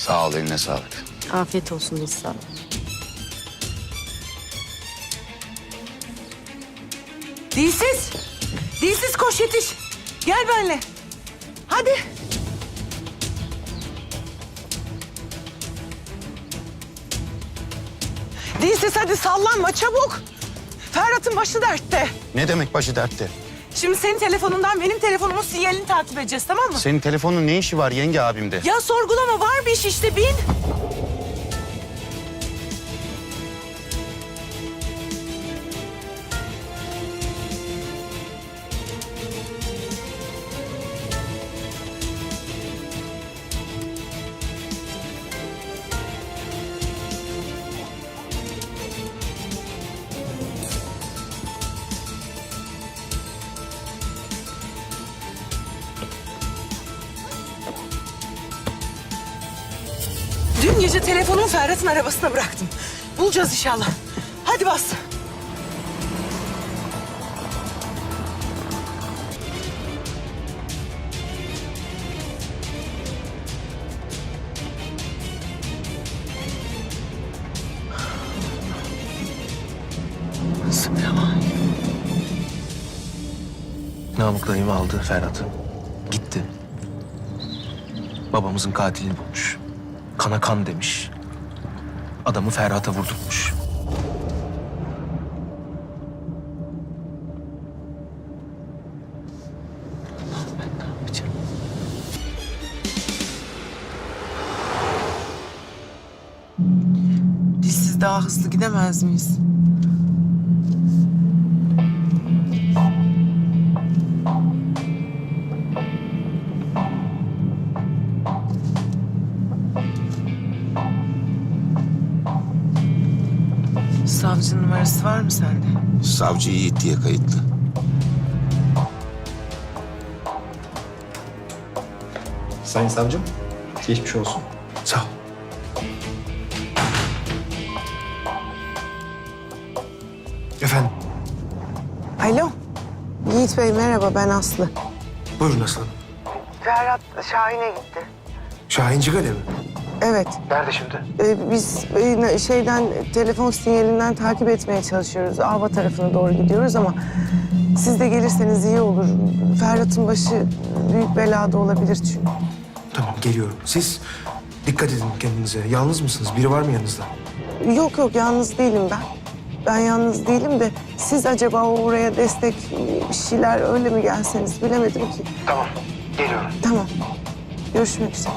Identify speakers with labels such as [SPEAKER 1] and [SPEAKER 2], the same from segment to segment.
[SPEAKER 1] Sağ ol, eline sağlık.
[SPEAKER 2] Afiyet olsun İhsan.
[SPEAKER 3] Dilsiz. Dilsiz koş yetiş. Gel benimle. Hadi. Dilsiz hadi sallanma çabuk. Ferhat'ın başı dertte.
[SPEAKER 1] Ne demek başı dertte?
[SPEAKER 3] Şimdi senin telefonundan benim telefonumun sinyalini takip edeceğiz, tamam mı?
[SPEAKER 1] Senin telefonun ne işi var yenge abimde?
[SPEAKER 3] Ya sorgulama, var bir iş işte, bin. Dün gece telefonumu Ferhat'ın arabasına bıraktım. Bulacağız inşallah. Hadi bas.
[SPEAKER 4] Namık dayım aldı Ferhat'ı. Gitti. Babamızın katilini bulmuş. Kana kan demiş. Adamı Ferhat'a vurdurmuş. Ben ne yapacağım?
[SPEAKER 3] Dilsiz daha hızlı gidemez miyiz? Savcının numarası var mı sende?
[SPEAKER 1] Savcı Yiğit diye kayıtlı.
[SPEAKER 5] Sayın savcım, geçmiş olsun.
[SPEAKER 4] Sağ ol. Efendim,
[SPEAKER 6] Alo. Yiğit Bey merhaba, ben Aslı.
[SPEAKER 4] buyurun aslanım.
[SPEAKER 6] Ferhat Şahin'e gitti.
[SPEAKER 4] Şahin Cigale mi?
[SPEAKER 6] Evet.
[SPEAKER 4] Nerede şimdi?
[SPEAKER 6] Biz telefon sinyalinden takip etmeye çalışıyoruz. Ava tarafına doğru gidiyoruz ama siz de gelirseniz iyi olur. Ferhat'ın başı büyük belada olabilir çünkü.
[SPEAKER 4] Tamam, geliyorum. Siz dikkat edin kendinize. Yalnız mısınız? Biri var mı yanınızda?
[SPEAKER 6] Yok yalnız değilim ben. Ben yalnız değilim de siz acaba oraya destek bir şeyler öyle mi gelseniz bilemedim ki.
[SPEAKER 4] Tamam, geliyorum.
[SPEAKER 6] Tamam. Görüşmek üzere.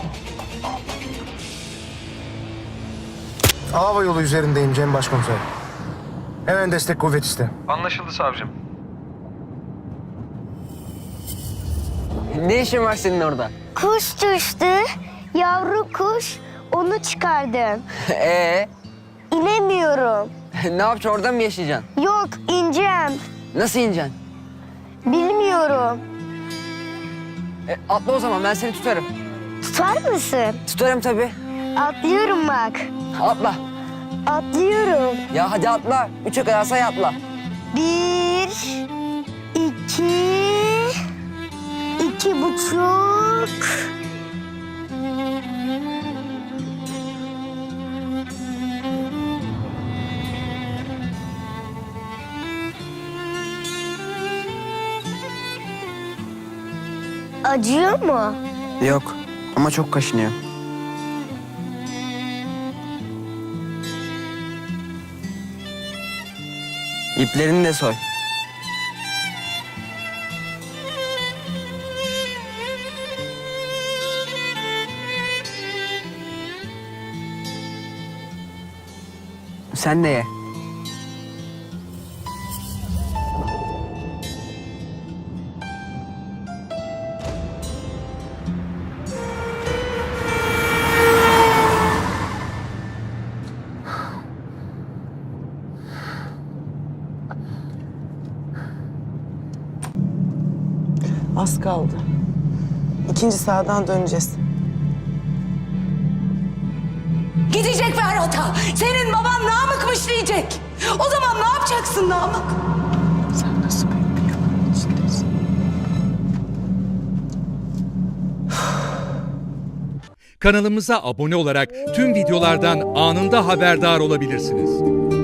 [SPEAKER 4] Hava yolu üzerindeyim Cem Başkomiser. Hemen destek kuvvet iste.
[SPEAKER 7] Anlaşıldı savcım.
[SPEAKER 8] Ne işin var senin orada?
[SPEAKER 9] Kuş düştü, yavru kuş, onu çıkardım. İnemiyorum.
[SPEAKER 8] Ne yapacaksın, orada mı yaşayacaksın?
[SPEAKER 9] Yok, ineceğim.
[SPEAKER 8] Nasıl ineceksin?
[SPEAKER 9] Bilmiyorum.
[SPEAKER 8] Atla o zaman, ben seni tutarım.
[SPEAKER 9] Tutar mısın?
[SPEAKER 8] Tutarım tabii.
[SPEAKER 9] Atlıyorum bak.
[SPEAKER 8] Atla.
[SPEAKER 9] Atlıyorum.
[SPEAKER 8] Ya hadi atla. 3'e kadar say, atla.
[SPEAKER 9] 1, 2, 2,5. Acıyor mu?
[SPEAKER 8] Yok ama çok kaşınıyor. İplerini de soy. Sen de ye.
[SPEAKER 6] Az kaldı. İkinci sağdan döneceğiz.
[SPEAKER 3] Gidecek Ferhat'a. Senin baban Namık'mış diyecek. O zaman ne yapacaksın Namık?
[SPEAKER 6] Sen nasıl büyük bir yalanın içindesin?
[SPEAKER 2] Kanalımıza abone olarak tüm videolardan anında haberdar olabilirsiniz.